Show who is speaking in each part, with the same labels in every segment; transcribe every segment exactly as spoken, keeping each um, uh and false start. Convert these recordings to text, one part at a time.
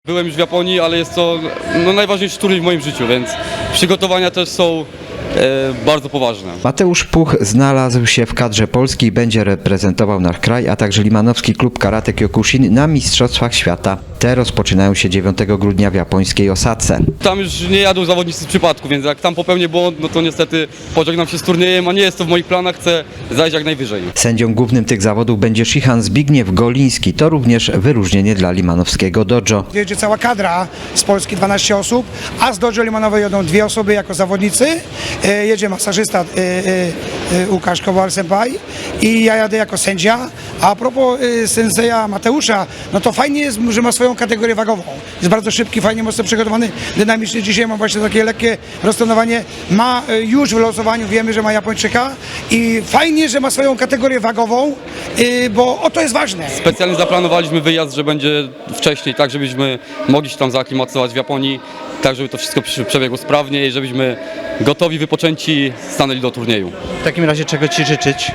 Speaker 1: Byłem już w Japonii, ale jest to no, najważniejszy turniej w moim życiu, więc przygotowania też są e, bardzo poważne.
Speaker 2: Mateusz Puch znalazł się w kadrze Polski i będzie reprezentował nasz kraj, a także limanowski klub karate Kyokushin na Mistrzostwach Świata. Te rozpoczynają się dziewiątego grudnia w japońskiej Osace.
Speaker 1: Tam już nie jadą zawodnicy z przypadku, więc jak tam popełnię błąd, no to niestety pożegnam się z turniejem, a nie jest to w moich planach, chcę zajść jak najwyżej.
Speaker 2: Sędzią głównym tych zawodów będzie Shihan Zbigniew Goliński. To również wyróżnienie dla limanowskiego dojo.
Speaker 3: Jedzie cała kadra z Polski, dwanaście osób, a z dojo limanowej jedą dwie osoby jako zawodnicy. E, Jedzie masażysta e, e, e, Łukasz Kowal-Senpai i ja jadę jako sędzia. A propos e, senseja Mateusza, no to fajnie jest, że ma swoją kategorię wagową. Jest bardzo szybki, fajnie, mocno przygotowany, dynamiczny. Dzisiaj ma właśnie takie lekkie roztonowanie. Ma e, już w losowaniu, wiemy, że ma Japończyka i fajnie, że ma swoją kategorię wagową, e, bo o to jest ważne.
Speaker 1: Specjalnie zaplanowaliśmy wyjazd, że będzie wcześniej, tak żebyśmy mogli się tam zaaklimatyzować w Japonii, tak żeby to wszystko przebiegło sprawnie i żebyśmy gotowi, wypoczęci stanęli do turnieju.
Speaker 4: W takim razie czego Ci życzyć?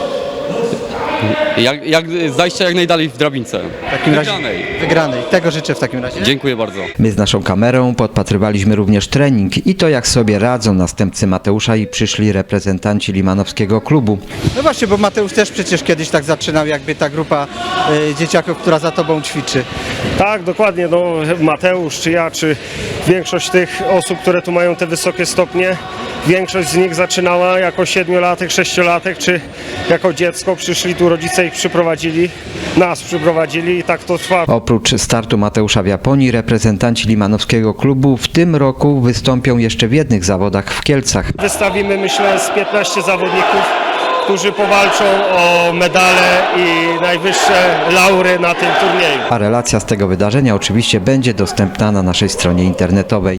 Speaker 1: Jak, jak, zajścia jak najdalej w drabince.
Speaker 4: W takim razie
Speaker 1: Wygranej.
Speaker 4: wygranej. Tego życzę w takim razie.
Speaker 1: Dziękuję bardzo.
Speaker 2: My z naszą kamerą podpatrywaliśmy również trening i to, jak sobie radzą następcy Mateusza i przyszli reprezentanci limanowskiego klubu.
Speaker 4: No właśnie, bo Mateusz też przecież kiedyś tak zaczynał, jakby ta grupa y, dzieciaków, która za Tobą ćwiczy.
Speaker 5: Tak, dokładnie. No, Mateusz, czy ja, czy większość tych osób, które tu mają te wysokie stopnie, większość z nich zaczynała jako siedmiolatek, sześciolatek, czy jako dziecko. Przyszli tu, rodzice ich przyprowadzili, nas przyprowadzili i tak to trwa.
Speaker 2: Oprócz startu Mateusza w Japonii, reprezentanci limanowskiego klubu w tym roku wystąpią jeszcze w jednych zawodach w Kielcach.
Speaker 5: Wystawimy, myślę, z piętnaście zawodników, którzy powalczą o medale i najwyższe laury na tym turnieju.
Speaker 2: A relacja z tego wydarzenia oczywiście będzie dostępna na naszej stronie internetowej.